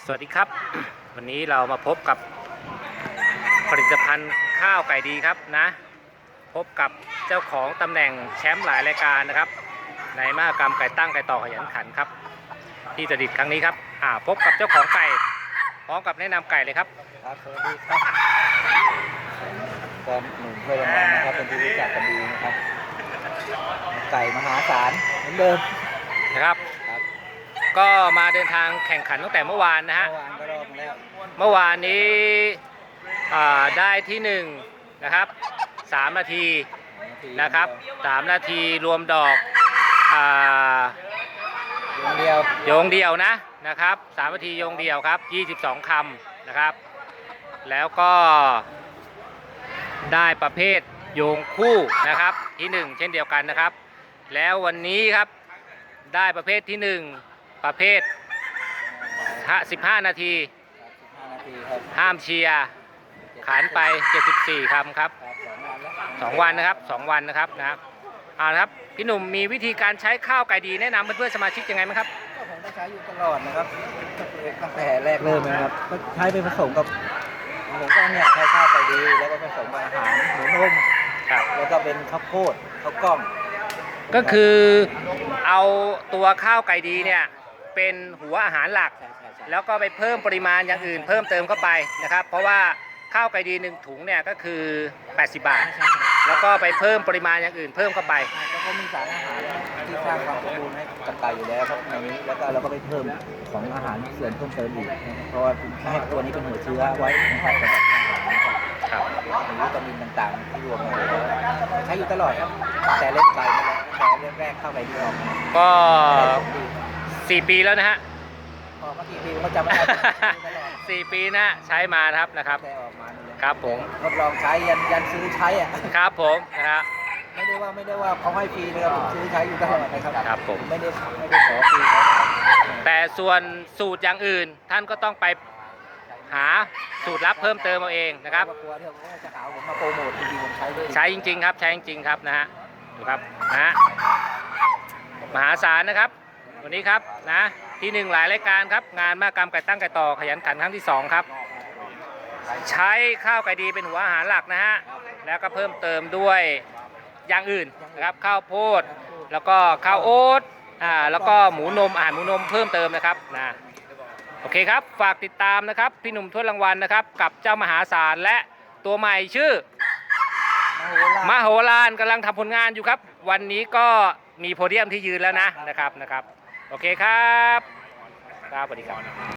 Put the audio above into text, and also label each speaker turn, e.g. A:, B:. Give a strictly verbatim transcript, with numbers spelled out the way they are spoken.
A: สวัสดีครับ วันนี้เรามาพบกับผลิตภัณฑ์ข้าวไก่ดีครับนะพบกับเจ้าของตำแหน่งแชมป์หลายรายการนะครับในมหกรรมไก่ตั้งไก่ต่อขยันขันครับที่จะดิดครั้งนี้ครับอ่าพบกับเจ้าของไก่พร้อมกับแนะนำไก่เลยครับ
B: ครับสวัสดีครับแฟนหนุ่มเพื่อนรางวัลนะครับเป็นที่รู้จักกันดีนะครับไก่มหาศาลเหมือนเดิม
A: นะครับก็มาเดินทางแข่งขันตั้งแต่เมื่อวานนะฮะ
B: เมื่อวานก็รอบมาแล้ว
A: เมื่อวานนี้ได้ที่หนึ่งนะครับสามนาทีนะครับสามนาทีรวมดอก
B: โยงเดียว
A: โยงเดียวนะนะครับสามนาทีโยงเดียวครับยี่สิบสองคำนะครับแล้วก็ได้ประเภทโยงคู่นะครับที่หนึ่งเช่นเดียวกันนะครับแล้ววันนี้ครับได้ประเภทที่หนึ่งประเภทสิบห้านาทีห้ามเชียร์ขันไปเจ็ดสิบสี่คำครับสองวันนะครับสองวันนะครับนะครับเอาละครับพี่หนุ่มมีวิธีการใช้ข้าวไก่ดีแนะนำเพื่อนๆสมาชิกยังไงไหมครับ
B: ก็ผมก็ใช้อยู่ตลอดนะครับตั้งแต่แรกเริ่มนะครับก็ใช้ไปผสมกับผมก็เนี่ยใช้ข้าวไก่ดีแล้วก็ผสมกับอาหารหมูนุ่มแล้วก็เป็นข้าวโพดข้าวกล้อง
A: ก็คือเอาตัวข้าวไก่ดีเนี่ยเป็นหัวอาหารหลักแล้วก็ไปเพิ่มปริมาณอย่างอื่นเพิ่มเติมเข้าไปนะครับเพราะว่าข้าวไก่ดีหนึ่งถุงเนี่ยก็คือแปดสิบบาทแล้วก็ไปเพิ่มปริมาณอย่างอื่นเพิ่มเข้าไป
B: แล้วก็มีสารอาหารที่สร้างความสมบูรณ์ให้กับไก่อยู่แล้วครับในนี้แล้วก็เราก็ไปเพิ่มของอาหารเสริมเพิ่มเติมอีกเพราะว่าให้ตัวนี้เป็นหัวเชื้อไว้นะครับสำหรับอาหารนะครับมีวิตามินต่างๆที่รวมมาแล้วใช้อยู่ตลอดครับแต่เล่นไก่มาแล้วแต่เรื่องแรกเข้าไปดีออก
A: ก็สี่ปีแล้วนะฮะ
B: พอมาสี่ปีก็จำไม่ได้
A: สี่ปีนะใช้มาครับนะครับครับผม
B: ทดลองใช้ยันยันซื้อใช้อ่ะ
A: ครับผมนะฮะ
B: ไม่ได้ว่าไม่ได้ว่าเขาให้ฟรีนะครับผมซื้อใช้อยู่ตลอดนะครับ
A: ครับผม
B: ไม่ได้ไม่ได้ขอฟรี
A: แต่ส่วนสูตรอย่างอื่นท่านก็ต้องไปหาสูตรลับเพิ่มเติมเอาเองนะครับ
B: กลัวที่เขาจะหาผมมาโปรโมทจริงๆผมใช้
A: ใช้จริงๆครับใช้จริงๆครับนะฮะดูครับนะฮะมหาศาลนะครับวันนี้ครับนะที่หนึ่งหลายรายการครับงานมหกรรมไก่ตั้งไก่ต่อขยันขันครั้งที่สองครับใช้ข้าวไก่ดีเป็นหัวอาหารหลักนะฮะแล้วก็เพิ่มเติมด้วยอย่างอื่นนะครับข้าวโพดแล้วก็ข้าวโอ๊ตอ่าแล้วก็หมูนมอาหารหมูนมเพิ่มเติมนะครับนะโอเคครับฝากติดตามนะครับพี่หนุ่มถ้วยรางวัลนะครับกับเจ้ามหาศาลและตัวใหม่ชื่อมโหฬารกำลังทำผลงานอยู่ครับวันนี้ก็มีโพเดียมที่ยืนแล้วนะนะครับนะครับโอเคครับครับสวัสดีครับ